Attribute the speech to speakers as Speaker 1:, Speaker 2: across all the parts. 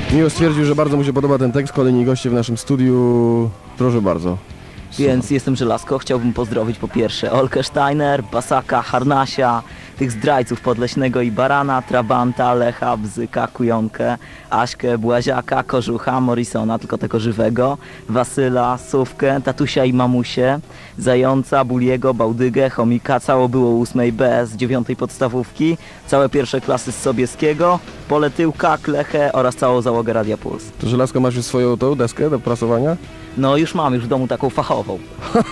Speaker 1: Miło stwierdził, że bardzo mu się podoba ten tekst. Kolejni goście w naszym studiu. Proszę bardzo.
Speaker 2: Więc jestem Żelazko, chciałbym pozdrowić po pierwsze Olkę Steiner, Basaka, Harnasia, tych zdrajców Podleśnego i Barana, Trabanta, Lecha, Bzyka, Kujonkę, Aśkę, Błaziaka, Kożucha, Morrisona, tylko tego żywego, Wasyla, Sówkę, Tatusia i Mamusię, Zająca, Buliego, Bałdygę, Chomika, cało było 8B z 9 podstawówki, całe pierwsze klasy z Sobieskiego, Poletyłka, Klechę oraz całą załogę Radia Puls.
Speaker 1: To Żelazko, masz już swoją tą deskę do prasowania?
Speaker 2: No już mam, już w domu taką fachową.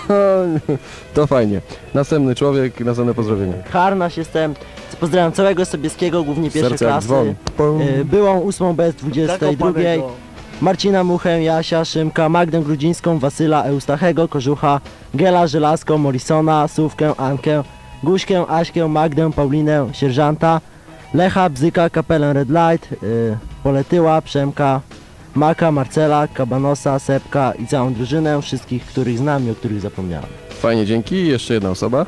Speaker 1: To fajnie. Następny człowiek, następne pozdrowienie.
Speaker 3: Harnaś jestem. Pozdrawiam całego Sobieskiego, głównie pierwszej
Speaker 1: Serce jak
Speaker 3: klasy.
Speaker 1: dzwon. Pum.
Speaker 3: Byłą 8B z 22. Marcina Muchę, Jasia, Szymka, Magdę Grudzińską, Wasyla, Eustachego, Kożucha, Gela, Żelazko, Morrisona, Sówkę, Ankę, Guśkę, Aśkę, Magdę, Paulinę, Sierżanta, Lecha, Bzyka, Kapelę Red Light, Poletyła, Przemka, Maka, Marcela, Kabanosa, Sepka i całą drużynę, wszystkich, których znam i o których zapomniałem.
Speaker 1: Fajnie, dzięki. Jeszcze jedna osoba.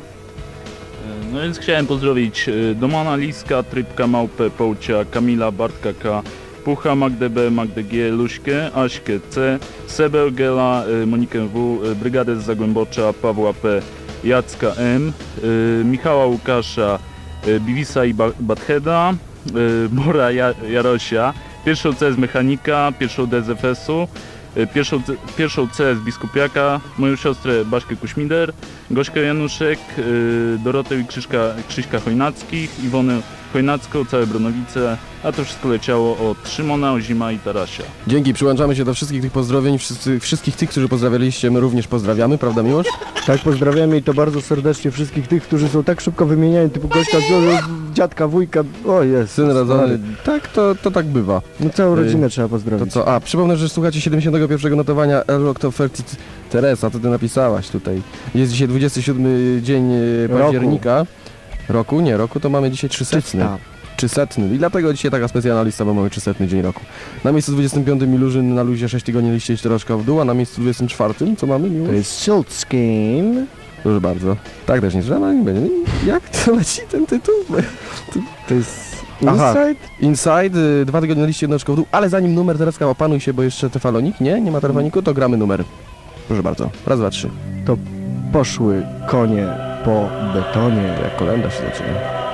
Speaker 4: No więc chciałem pozdrowić Domana Liska, Trybka, Małpę, Połcia, Kamila, Bartka K, Pucha, Magdę B, Magdę G, Luśkę, Aśkę C, Sebę Gela, Monikę W, Brygadę z Zagłębocza, Pawła P, Jacka M, Michała Łukasza, Biwisa i Batheda, Bora Jarosia, pierwszą C z Mechanika, pierwszą D z FS-u, pierwszą C z Biskupiaka, moją siostrę Baśkę Kuśmider, Gośkę Januszek, Dorotę i Krzyśka Chojnackich, Iwonę Chojnacką, całe Bronowice, a to wszystko leciało od Szymona, Ozima i Tarasia.
Speaker 1: Dzięki, przyłączamy się do wszystkich tych pozdrowień. Wszystkich tych, którzy pozdrawialiście, my również pozdrawiamy, prawda Miłosz?
Speaker 5: Tak, pozdrawiamy i to bardzo serdecznie wszystkich tych, którzy są tak szybko wymieniani, typu gościa, dziadka, wujka, o jest.
Speaker 1: Syn rodzony. Tak, to tak bywa.
Speaker 5: No całą rodzinę trzeba
Speaker 1: To
Speaker 5: pozdrowić.
Speaker 1: co? A, przypomnę, że słuchacie 71 notowania El Rock Top 30. Teresa, to ty napisałaś tutaj. Jest dzisiaj 27 dzień października. Roku? Nie, roku to mamy dzisiaj 300. 300. I dlatego dzisiaj taka specjalna lista, bo mamy 300 dzień roku. Na miejscu 25 Milużyn na luzie 6 tygodni liście 4 oczka w dół, a na miejscu 24 co mamy, Miłosz?
Speaker 5: To jest Schultzkin.
Speaker 1: Proszę bardzo. Tak też nie trzeba, nie będzie. Jak to leci ten tytuł?
Speaker 5: To jest
Speaker 1: Aha.
Speaker 5: Inside.
Speaker 1: Inside, 2 tygodnie na liście 1 oczko w dół, ale zanim numer Tereska, opanuj się, bo jeszcze tefalonik, nie ma telefoniku, to gramy numer. Proszę bardzo. Raz, dwa, trzy.
Speaker 5: Poszły konie po betonie.
Speaker 1: Jak kolenda się zaczyna.